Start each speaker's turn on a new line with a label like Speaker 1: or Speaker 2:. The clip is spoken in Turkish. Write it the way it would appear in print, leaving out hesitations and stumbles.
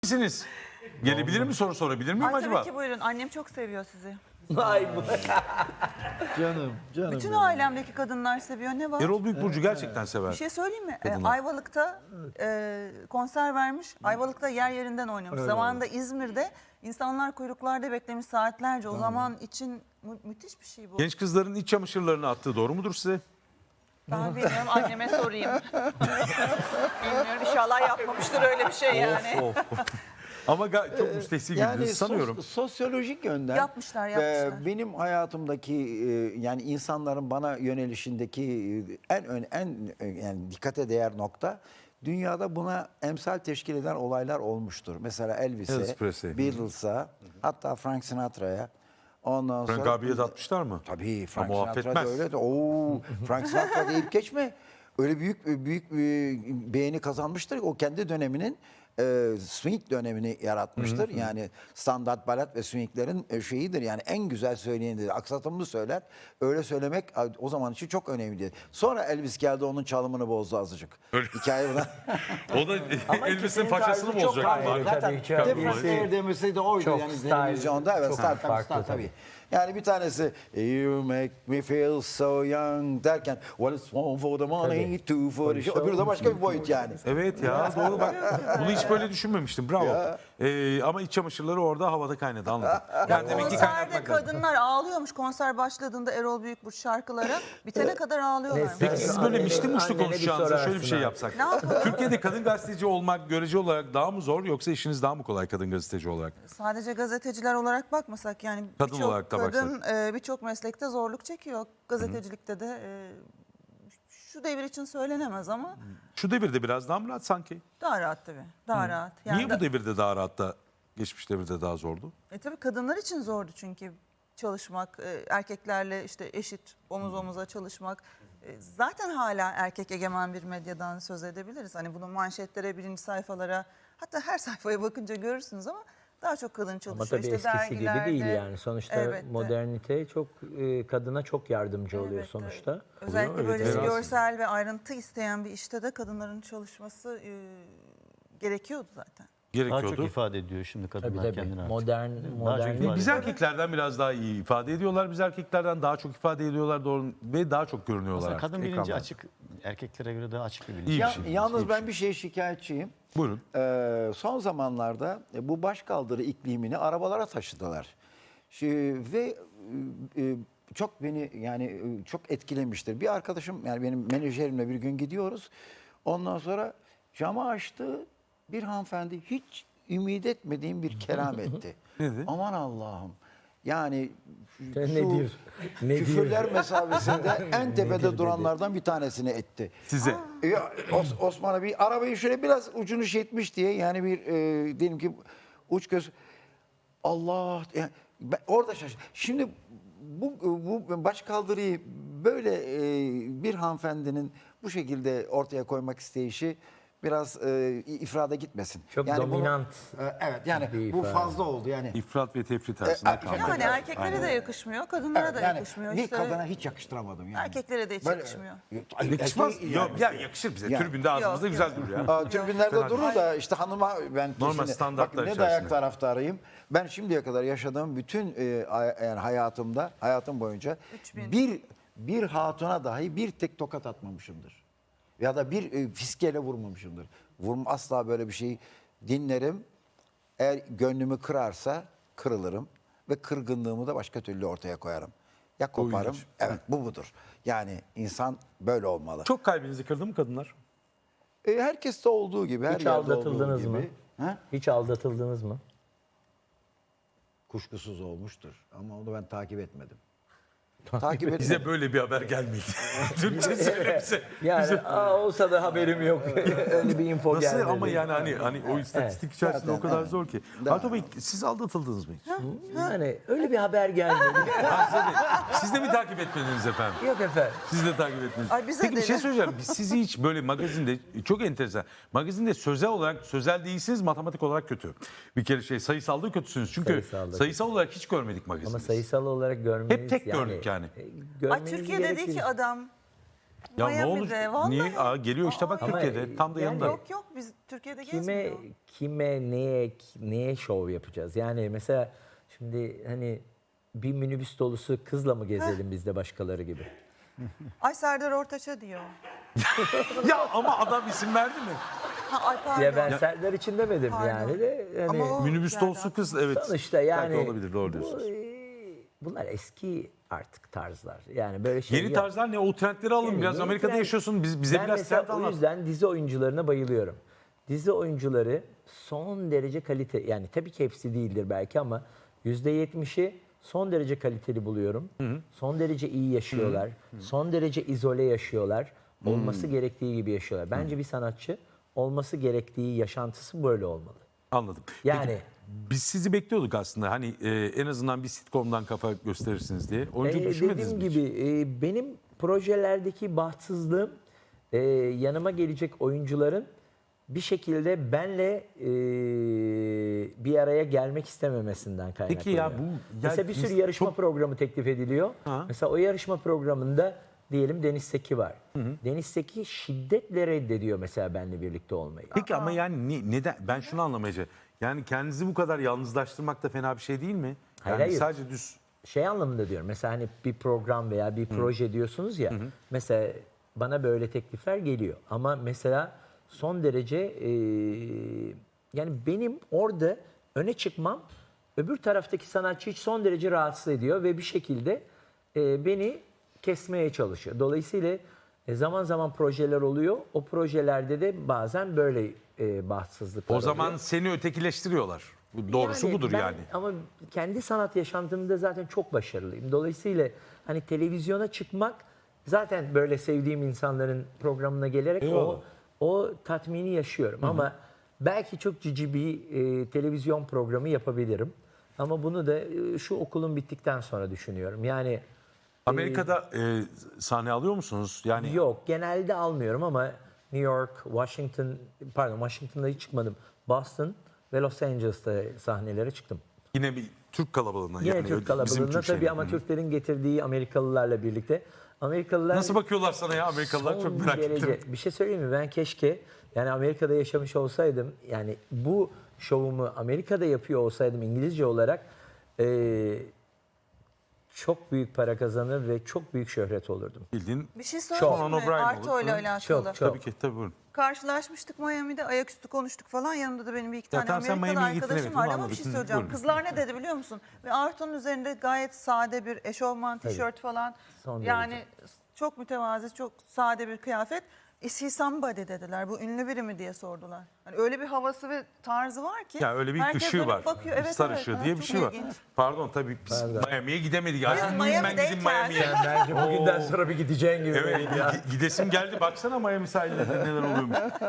Speaker 1: misiniz? Gelebilir mi, soru sorabilir miyim
Speaker 2: Ay,
Speaker 1: acaba?
Speaker 2: tabii ki buyurun. Annem çok seviyor sizi.
Speaker 3: Vay bu.
Speaker 4: Canım
Speaker 2: Bütün
Speaker 4: benim.
Speaker 2: ailemdeki kadınlar seviyor. Ne var?
Speaker 1: Erol Büyükburcu gerçekten sever.
Speaker 2: Bir şey söyleyeyim mi?
Speaker 1: Kadınlar.
Speaker 2: Ayvalık'ta konser vermiş. Ayvalık'ta yer yerinden oynamış. Zamanında İzmir'de insanlar kuyruklarda beklemiş saatlerce. O zaman için müthiş bir şey bu.
Speaker 1: Genç kızların iç çamaşırlarını attığı doğru mudur size?
Speaker 2: Ben bilmiyorum, anneme sorayım. Bilmiyorum, inşallah yapmamıştır öyle bir şey yani.
Speaker 1: Of. Ama çok müstehsi güldünüz sanıyorum.
Speaker 4: Sosyolojik yönden
Speaker 2: Yapmışlar.
Speaker 4: benim hayatımdaki yani insanların bana yönelişindeki yani dikkate değer nokta, dünyada buna emsal teşkil eden olaylar olmuştur. Mesela
Speaker 1: Elvis
Speaker 4: Elvis'e,
Speaker 1: Presley.
Speaker 4: Beatles'a, hatta Frank Sinatra'ya. Ondan
Speaker 1: Frank
Speaker 4: sonra
Speaker 1: abiye de atmışlar mı?
Speaker 4: Tabii Frank
Speaker 1: Ama o
Speaker 4: Sinatra da
Speaker 1: affetmez.
Speaker 4: öyle de. Oo, Frank Sinatra deyip geçme. Öyle büyük beğeni kazanmıştır. O kendi döneminin swing dönemini yaratmıştır. Yani standart balat ve swinglerin şeyidir. Yani en güzel söyleyenidir. Aksatımlı söyler. Öyle söylemek o zaman için çok önemliydi. Sonra Elvis geldi, onun çalımını bozdu azıcık. Hikaye buna.
Speaker 1: O da Elvis'in façasını
Speaker 3: tarzı çok
Speaker 1: bozacak.
Speaker 3: ayrı.
Speaker 4: Zaten
Speaker 3: Tabii, çok
Speaker 4: Frank
Speaker 3: iyi.
Speaker 4: demesi de oydu.
Speaker 3: Çok
Speaker 4: Yani
Speaker 3: style,
Speaker 4: televizyonda. Evet,
Speaker 3: çok
Speaker 4: style
Speaker 3: farklı
Speaker 4: tabii. Yani bir tanesi "You make me feel so young" derken "Well, it's one for the money, two for the show." Öbürü de başka bir boyut yani.
Speaker 1: Evet ya, doğru bak. Bunu hiç böyle düşünmemiştim. Bravo. Ama iç çamaşırları orada havada kaynadı, anladım. Yani demek ki
Speaker 2: Konserde
Speaker 1: kaynatmak lazım.
Speaker 2: kadınlar ağlıyormuş. Konser başladığında Erol Büyükburç şarkılara bitene kadar ağlıyorlar.
Speaker 1: Peki siz böyle mişli muşlu
Speaker 3: Annene bir
Speaker 1: konuşacağınıza şöyle bir şey
Speaker 3: sorarsın
Speaker 1: yapsak.
Speaker 2: Ne yapalım?
Speaker 1: Türkiye'de kadın gazeteci olmak görece olarak daha mı zor, yoksa işiniz daha mı kolay kadın gazeteci olarak?
Speaker 2: Sadece gazeteciler olarak bakmasak yani
Speaker 1: Kadın
Speaker 2: birçok
Speaker 1: olarak da
Speaker 2: kadın birçok meslekte zorluk çekiyor. Gazetecilikte de şu devir için söylenemez ama
Speaker 1: Şu devirde biraz daha mı rahat sanki?
Speaker 2: daha rahat tabii. Daha rahat.
Speaker 1: Niye bu devirde daha rahat da geçmiş devirde daha zordu?
Speaker 2: Tabii kadınlar için zordu çünkü çalışmak, erkeklerle işte eşit omuz omuza çalışmak. Zaten hala erkek egemen bir medyadan söz edebiliriz. Hani bunu manşetlere, birinci sayfalara, hatta her sayfaya bakınca görürsünüz ama daha çok kadın
Speaker 3: Ama
Speaker 2: çalışıyor.
Speaker 3: tabii
Speaker 2: İşte
Speaker 3: eskisi gibi
Speaker 2: dergilerde.
Speaker 3: değil yani. Sonuçta
Speaker 2: Elbette.
Speaker 3: modernite çok kadına çok yardımcı oluyor
Speaker 2: Elbette.
Speaker 3: sonuçta.
Speaker 2: Özellikle
Speaker 1: Evet,
Speaker 2: böyle
Speaker 1: evet.
Speaker 2: görsel ve ayrıntı isteyen bir işte de kadınların çalışması gerekiyordu zaten.
Speaker 5: Daha çok
Speaker 1: Gerekiyordu.
Speaker 5: ifade ediyor şimdi
Speaker 3: Tabii
Speaker 5: kadınlar
Speaker 3: tabii.
Speaker 5: kendini artık.
Speaker 3: Modern
Speaker 5: ifade
Speaker 1: Biz erkeklerden biraz daha iyi ifade ediyorlar. Biz erkeklerden daha çok ifade ediyorlar doğru ve daha çok görünüyorlar.
Speaker 5: Aslında
Speaker 1: artık
Speaker 5: kadın bilinci
Speaker 1: ekranlarda.
Speaker 5: açık, erkeklere göre daha açık bir bilinç.
Speaker 1: İyi bir
Speaker 4: Ya,
Speaker 1: şey.
Speaker 4: yalnız
Speaker 1: iyi bir
Speaker 4: ben
Speaker 1: şey.
Speaker 4: bir şeye şikayetçiyim.
Speaker 1: Buyurun.
Speaker 4: Son zamanlarda bu başkaldırı iklimini arabalara taşıdılar. Ve çok beni yani çok etkilemiştir. Bir arkadaşım, yani benim menajerimle bir gün gidiyoruz. Ondan sonra camı açtı. Bir hanımefendi hiç ümit etmediğim bir kelam etti.
Speaker 1: Nedir?
Speaker 4: Aman Allah'ım. Yani
Speaker 3: Nedir? Nedir?
Speaker 4: küfürler mesafesinde en tepede duranlardan bir tanesini etti.
Speaker 1: Size.
Speaker 4: Ya, Osman'a bir arabayı şöyle biraz ucunu şey etmiş diye, yani bir diyelim ki uç göz, Allah, yani orada şaşırdım. Şimdi bu başkaldırıyı böyle bir hanımefendinin bu şekilde ortaya koymak isteyişi biraz ifrada gitmesin.
Speaker 3: Çok
Speaker 4: bunu-
Speaker 3: dominant
Speaker 4: evet, yani
Speaker 3: bir
Speaker 4: bu
Speaker 3: ifade.
Speaker 4: fazla oldu yani.
Speaker 1: İfrat ve tefrit arasında kaldı.
Speaker 2: Yani erkeklere de yakışmıyor, kadınlara
Speaker 4: Evet,
Speaker 2: da
Speaker 4: yani
Speaker 2: yakışmıyor.
Speaker 4: bir
Speaker 2: İşte
Speaker 4: kadına hiç yakıştıramadım yani.
Speaker 2: erkeklere de hiç
Speaker 4: Böyle-
Speaker 2: yakışmıyor.
Speaker 1: Yakışmaz.
Speaker 4: Erkeği-
Speaker 1: Yok ya, yakışır bize.
Speaker 4: Yani.
Speaker 1: Tribünde ağzımızda
Speaker 2: Yok,
Speaker 1: güzel
Speaker 2: yok.
Speaker 1: durur ya.
Speaker 4: Tribünlerde
Speaker 1: Fena
Speaker 4: durur da işte hanıma ben
Speaker 1: Normal
Speaker 4: kesinlikle-
Speaker 1: standartlar
Speaker 4: bakın ne
Speaker 1: içerisinde.
Speaker 4: dayak taraftarıyım. Ben şimdiye kadar yaşadığım bütün yani hayatım boyunca
Speaker 2: 3000.
Speaker 4: bir hatuna dahi bir tek tokat atmamışımdır. Ya da bir fiskeyle vurmamışımdır. Asla böyle bir şey dinlerim. Eğer gönlümü kırarsa kırılırım ve kırgınlığımı da başka türlü ortaya koyarım. Ya koparım.
Speaker 1: ilginç.
Speaker 4: Evet, bu budur. Yani insan böyle olmalı.
Speaker 1: Çok kalbinizi kırdı mı kadınlar?
Speaker 4: Herkeste olduğu gibi, her
Speaker 3: Hiç
Speaker 4: yerde olduğu
Speaker 3: aldatıldınız
Speaker 4: gibi.
Speaker 3: mı?
Speaker 4: Ha?
Speaker 3: Hiç aldatıldınız mı?
Speaker 4: Kuşkusuz olmuştur ama onu ben takip etmedim. Takip etmedim.
Speaker 1: Bize böyle bir haber gelmedi. Türkçe söyle bize.
Speaker 3: Yani olsa da haberim yok. Öyle bir info
Speaker 1: Nasıl
Speaker 3: gelmedi.
Speaker 1: ama yani hani o istatistik içerisinde
Speaker 4: Zaten,
Speaker 1: o kadar
Speaker 4: evet.
Speaker 1: zor ki.
Speaker 4: Daha-
Speaker 1: Arto Bey, siz aldatıldınız mı hiç?
Speaker 3: Yani öyle bir haber gelmedi.
Speaker 1: Siz de mi takip etmediniz efendim?
Speaker 3: Yok efendim.
Speaker 1: Siz de takip etmediniz.
Speaker 2: Ay, bize
Speaker 1: Peki bir
Speaker 2: de.
Speaker 1: şey söyleyeceğim. Biz sizi hiç böyle magazinde, çok enteresan. Magazinde sözel değilsiniz, matematik olarak kötü. Bir kere sayısalda kötüsünüz. Çünkü
Speaker 3: Sayısalda
Speaker 1: sayısal olarak hiç görmedik magazinde.
Speaker 3: Ama sayısal olarak görmeniz
Speaker 1: Hep tek gördük yani.
Speaker 2: Ay, Türkiye dedi ki adam
Speaker 1: Ya ne olur?
Speaker 2: Miami'de, vallahi.
Speaker 1: Niye? Geliyor işte bak
Speaker 3: Ama
Speaker 1: Türkiye'de. Tam da
Speaker 3: yani-
Speaker 1: yanında.
Speaker 2: Yok yok biz Türkiye'de gezmiyor.
Speaker 3: Kime neye şov yapacağız? Yani mesela şimdi hani bir minibüs dolusu kızla mı gezelim biz de başkaları gibi?
Speaker 2: Ay Serdar Ortaç'a diyor.
Speaker 1: Ya ama adam isim verdi mi?
Speaker 2: Ha, ay pardon.
Speaker 3: Ya ben Serdar için demedim
Speaker 2: Pardon.
Speaker 3: yani de hani
Speaker 2: Ama o
Speaker 1: Minibüs
Speaker 2: geldi
Speaker 1: dolusu kız evet.
Speaker 3: sonuçta yani
Speaker 1: Belki olabilir doğru diyorsunuz.
Speaker 3: bunlar eski artık tarzlar. Yani böyle şey
Speaker 1: Yeni
Speaker 3: yok.
Speaker 1: tarzlar ne? O trendleri alın.
Speaker 3: Yani
Speaker 1: Biraz
Speaker 3: yeni
Speaker 1: Amerika'da
Speaker 3: trend-
Speaker 1: yaşıyorsun. Bize
Speaker 3: Ben
Speaker 1: biraz
Speaker 3: mesela
Speaker 1: trend
Speaker 3: o
Speaker 1: anlat.
Speaker 3: yüzden dizi oyuncularına bayılıyorum. Dizi oyuncuları son derece kalite, yani tabii ki hepsi değildir belki ama %70'i son derece kaliteli buluyorum. Son derece iyi yaşıyorlar. Son derece izole yaşıyorlar. Olması gerektiği gibi yaşıyorlar. Bence bir sanatçı olması gerektiği yaşantısı böyle olmalı.
Speaker 1: Anladım.
Speaker 3: Yani-
Speaker 1: Peki, biz sizi bekliyorduk aslında. Hani en azından bir sitcom'dan kafa gösterirsiniz diye. Oyuncu düşünmediniz
Speaker 3: Dediğim
Speaker 1: mi hiç?
Speaker 3: gibi benim projelerdeki bahtsızlığım yanıma gelecek oyuncuların bir şekilde benle bir araya gelmek istememesinden kaynaklanıyor.
Speaker 1: Peki ya bu...
Speaker 3: Mesela bir sürü yarışma
Speaker 1: çok-
Speaker 3: programı teklif ediliyor.
Speaker 1: Ha.
Speaker 3: Mesela o yarışma programında diyelim Deniz Seki var. Deniz Seki şiddetle reddediyor mesela benle birlikte olmayı.
Speaker 1: Peki ama yani neden? Ben şunu anlamaya çalışıyorum. Yani kendinizi bu kadar yalnızlaştırmak da fena bir şey değil mi?
Speaker 3: Hayır,
Speaker 1: Yani
Speaker 3: hayır.
Speaker 1: sadece düz...
Speaker 3: Şey anlamında diyorum. Mesela hani bir program veya bir proje diyorsunuz ya. Mesela bana böyle teklifler geliyor. Ama mesela son derece yani benim orada öne çıkmam öbür taraftaki sanatçı hiç son derece rahatsız ediyor ve bir şekilde beni kesmeye çalışıyor. Dolayısıyla zaman zaman projeler oluyor. O projelerde de bazen böyle bahtsızlıklar
Speaker 1: O zaman
Speaker 3: oluyor.
Speaker 1: seni ötekileştiriyorlar. Bu doğrusu budur
Speaker 3: ben-
Speaker 1: yani.
Speaker 3: Ama kendi sanat yaşantımda zaten çok başarılıyım. Dolayısıyla hani televizyona çıkmak zaten böyle sevdiğim insanların programına gelerek
Speaker 1: Eyvallah.
Speaker 3: o tatmini yaşıyorum. Ama belki çok cici bir televizyon programı yapabilirim. Ama bunu da şu okulun bittikten sonra düşünüyorum. Yani
Speaker 1: Amerika'da sahne alıyor musunuz? Yani
Speaker 3: yok, genelde almıyorum ama New York, Washington'da hiç çıkmadım. Boston ve Los Angeles'ta sahnelere çıktım.
Speaker 1: yine bir Türk kalabalığına.
Speaker 3: Yine
Speaker 1: yani
Speaker 3: Türk
Speaker 1: bizim
Speaker 3: kalabalığında
Speaker 1: Türk
Speaker 3: tabii
Speaker 1: şeyine.
Speaker 3: ama Türklerin getirdiği Amerikalılarla birlikte. Amerikalılar
Speaker 1: Nasıl bakıyorlar sana ya Amerikalılar?
Speaker 3: son
Speaker 1: Çok merak
Speaker 3: derece,
Speaker 1: ettim.
Speaker 3: bir şey söyleyeyim mi? Ben keşke yani Amerika'da yaşamış olsaydım, yani bu şovumu Amerika'da yapıyor olsaydım İngilizce olarak çok büyük para kazanır ve çok büyük şöhret olurdum.
Speaker 1: Bildiğin
Speaker 2: Bir şey söyleyeyim
Speaker 1: Conan
Speaker 2: mi?
Speaker 1: O'Brien
Speaker 2: Arto
Speaker 1: olur.
Speaker 2: ile
Speaker 1: Hı.
Speaker 2: alakalı.
Speaker 3: Çok.
Speaker 1: tabii ki tabii buyurun.
Speaker 2: Karşılaşmıştık Miami'de, ayaküstü konuştuk falan. Yanımda da benim bir iki tane
Speaker 1: tamam, sen
Speaker 2: Amerikalı
Speaker 1: Miami'ye gittin,
Speaker 2: arkadaşım
Speaker 1: evet,
Speaker 2: vardı
Speaker 1: onu
Speaker 2: ama bir
Speaker 1: anladık.
Speaker 2: şey
Speaker 1: Hı,
Speaker 2: söyleyeceğim.
Speaker 1: buyurun.
Speaker 2: Kızlar ne dedi biliyor musun? Ve Arto'nun üzerinde gayet sade bir eşofman, tişört falan.
Speaker 3: Son
Speaker 2: Yani çok mütevazi, çok sade bir kıyafet. Is he somebody dediler. Bu ünlü biri mi diye sordular. Hani öyle bir havası ve tarzı var ki.
Speaker 1: Ya öyle bir
Speaker 2: herkes
Speaker 1: ışığı
Speaker 2: dönüp
Speaker 1: var.
Speaker 2: Bakıyor. Evet,
Speaker 1: Star
Speaker 2: evet,
Speaker 1: ışığı
Speaker 2: evet,
Speaker 1: diye bir
Speaker 2: çok
Speaker 1: şey var.
Speaker 2: ilginç.
Speaker 1: Pardon tabii biz Miami'ye gidemedik. Ya. Ben
Speaker 2: Miami'deyken-
Speaker 1: gideyim Miami'ye.
Speaker 3: Bence bugünden sonra bir gideceğin gibi.
Speaker 1: Evet gidesim geldi. Baksana Miami sahillerinde neler oluyormuş.